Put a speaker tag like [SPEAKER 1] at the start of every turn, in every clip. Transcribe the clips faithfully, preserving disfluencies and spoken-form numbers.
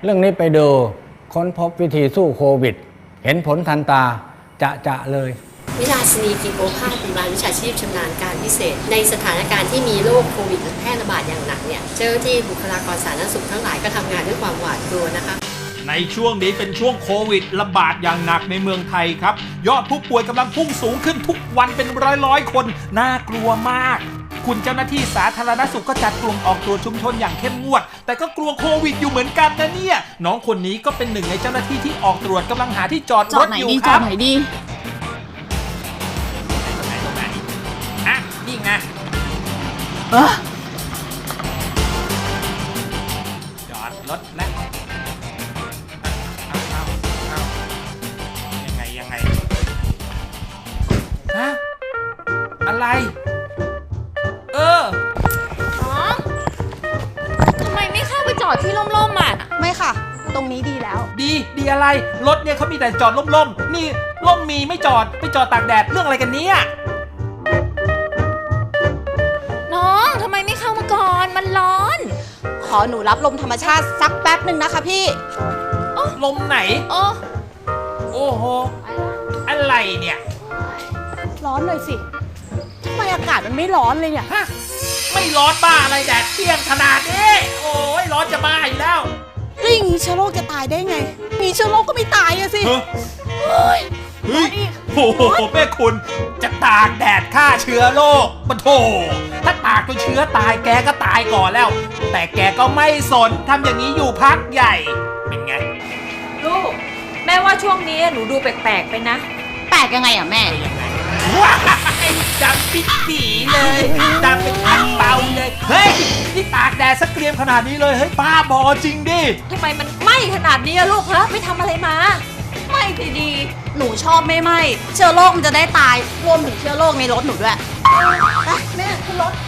[SPEAKER 1] เรื่องนี้ไปดูค้นพบวิธีสู้โควิดเห็นผลทันตาจะจะเลย
[SPEAKER 2] วิลาสินีกิจโอภาสพยาบาลวิชาชีพชำนาญการพิเศษในสถานการณ์ที่มีโรคโควิดแพร่ระบาดอย่างหนักเนี่ยเจ้าหน้าที่บุคลากรสาธารณสุขทั้งหลายก็ทำงานด้วยความหวาดกลัวนะคะ
[SPEAKER 3] ในช่วงนี้เป็นช่วงโควิดระบาดอย่างหนักในเมืองไทยครับยอดผู้ป่วยกำลังพุ่งสูงขึ้นทุกวันเป็นร้อยร้อยคนน่ากลัวมากคุณเจ้าหน้าที่สาธารณสุขก็จัดกลุ่มออกตรวจชุมชนอย่างเข้มงวดแต่ก็กลัวโควิดอยู่เหมือนกันนะเนี่ยน้องคนนี้ก็เป็นหนึ่งในเจ้าหน้าที่ที่ออกตรวจกำลังหาที่จอดรถอยู่ครับ
[SPEAKER 4] จอดไหนดี
[SPEAKER 3] ตรงไหนตรงไหนอ่ะนี่ไงจอดรถแล้วเอาเอาเอายังไงยังไงฮะอะไรเออ
[SPEAKER 4] น้องทำไมไม่เข้าไปจอดที่ร่มๆอ่ะ
[SPEAKER 5] ไม่ค่ะตรงนี้ดีแล้ว
[SPEAKER 3] ดีดีอะไรรถเนี่ยเขามีแต่จอดร่มๆนี่ร่มมีไม่จอดไม่จอดตากแดดเรื่องอะไรกันเนี่ย
[SPEAKER 4] น้องทำไมไม่เข้ามาก่อนมันร้อน
[SPEAKER 5] ขอหนูรับลมธรรมชาติสักแป๊บหนึ่งนะคะพี่
[SPEAKER 3] ลมไหน
[SPEAKER 4] โอ้
[SPEAKER 3] โอ้โหอะไรเนี่ย
[SPEAKER 5] ร้อนเลยสิทำไมอากาศมันไม่ร้อนเลยเนี่ย
[SPEAKER 3] ฮะไม่ร้อนบ้าอะไรแดดเปรี้ยงขนาดนี้โอ้ยร้อนจะบ้าอยู่แล้ว
[SPEAKER 5] แล้วอย่างนี้เชื้อโรคจะตายได้ไงมีเชื้อโรคก็ไม่ตายอะสิ
[SPEAKER 3] เฮ้ยเฮ้ยโอ้โหแม่คุณจะตากแดดฆ่าเชื้อโรคปะโถถ้าตากจนเชื้อตายแกก็ตายก่อนแล้วแต่แกก็ไม่สนทำอย่างนี้อยู่พักใหญ่เป็นไง
[SPEAKER 4] ลูกแม่ว่าช่วงนี้หนูดูแปลกๆไปนะ
[SPEAKER 5] แปลกยังไงอ่ะแม่
[SPEAKER 3] ยังไงว้ายดำปิดปีเลยดำเป็นอันเบาเลยเฮ้ยนี่ตากแดดสักเกรียมขนาดนี้เลยเฮ้ยป้าบอจริงดิ
[SPEAKER 4] ทำไมมันไหม้ขนาดนี้อะลูกฮะไปทำอะไรมา
[SPEAKER 5] ไหม้ดีดีหนูชอบไม่ไหม้เชื้อโรคมันจะได้ตายรวมถึงเชื้อโรคในรถหนูด้วยไปแม่ขึ้นรถ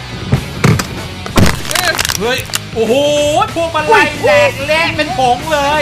[SPEAKER 3] เฮ้ยโอ้โหพวกมันไล่แดกเละเป็นผงเลย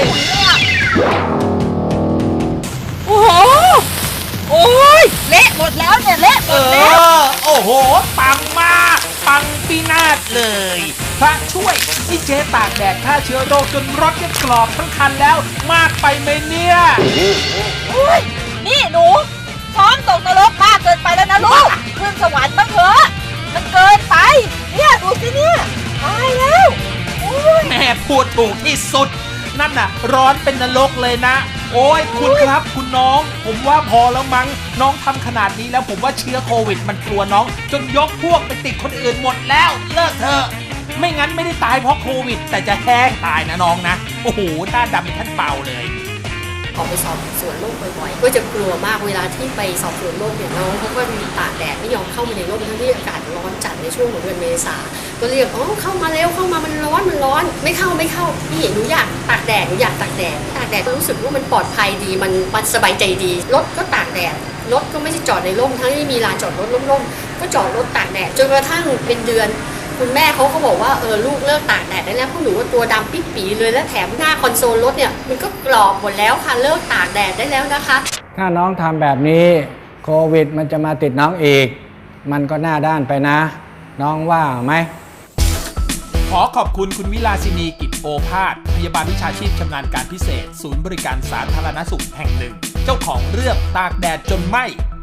[SPEAKER 4] โอ้โหโอ้ยเละหมดแล้วเนี่ยเละหมดแล้ว
[SPEAKER 3] โอ้โหปังมากปังปีนาศเลยพระช่วยนี่เจ๊ตากแดดฆ่าเชื้อโรคจนรถเนี่ยกรอบทั้งคันแล้วมากไปไหมเนี่ย
[SPEAKER 4] นี่หนูซ้อมตกนรกมากเกินไปแล้วนะลูกขึ้นสวรรค์บ้างเถอะมันเกินไปเนี่ยดูสิเนี่ยตายแล้ว
[SPEAKER 3] แม่พูดถูกที่สุดนั่นน่ะร้อนเป็นนรกเลยนะโอ้ยคุณครับคุณน้องผมว่าพอแล้วมั้งน้องทำขนาดนี้แล้วผมว่าเชื้อโควิดมันกลัวน้องจนยกพวกไปติดคนอื่นหมดแล้วเลิกเถอะไม่งั้นไม่ได้ตายเพราะโควิดแต่จะแห้งตายนะน้องนะโอ้โหหน้าดำเป็นท่านเปล่าเลย
[SPEAKER 2] ออกไปสอบสวนโรคบ่อยๆก็จะกลัวมากเวลาที่ไปสอบสวนโรคเนี่ยน้องเขาก็มีตากแดดไม่ยอมเข้ามาในร่มทั้งที่อากาศร้อนจัดในช่วงของเดือนเมษาก็เรียกอ๋อเข้ามาเร็วเข้ามามันร้อนมันร้อนไม่เข้าไม่เข้าพี่หนูอยากตากแดดหนูอยากตากแดดตากแดดก็รู้สึกว่ามันปลอดภัยดีมันมันสบายใจดีรถก็ตากแดดรถก็ไม่ใช่จอดในร่มทั้งที่มีลานจอดรถร่มๆก็จอดรถตากแดดจนกระทั่งเป็นเดือนคุณแม่เขาก็บอกว่าเออลูกเลิกตากแดดได้แล้วพวกหนูว่าตัวดำปิ๊ดปีเลยและแถมหน้าคอนโซลรถเนี่ยมันก็กรอบหมดแล้วค่ะเลิกตากแดดได้แล้วนะคะ
[SPEAKER 1] ถ้าน้องทำแบบนี้โควิดมันจะมาติดน้องอีกมันก็หน้าด้านไปนะน้องว่าไหม
[SPEAKER 3] ขอขอบคุณคุณวิลาสินีกิจโอภาสพยาบาลวิชาชีพชำนาญการพิเศษศูนย์บริการสาธารณสุขแห่งหนึ่งเจ้าของเรื่องตากแดดจนไหม้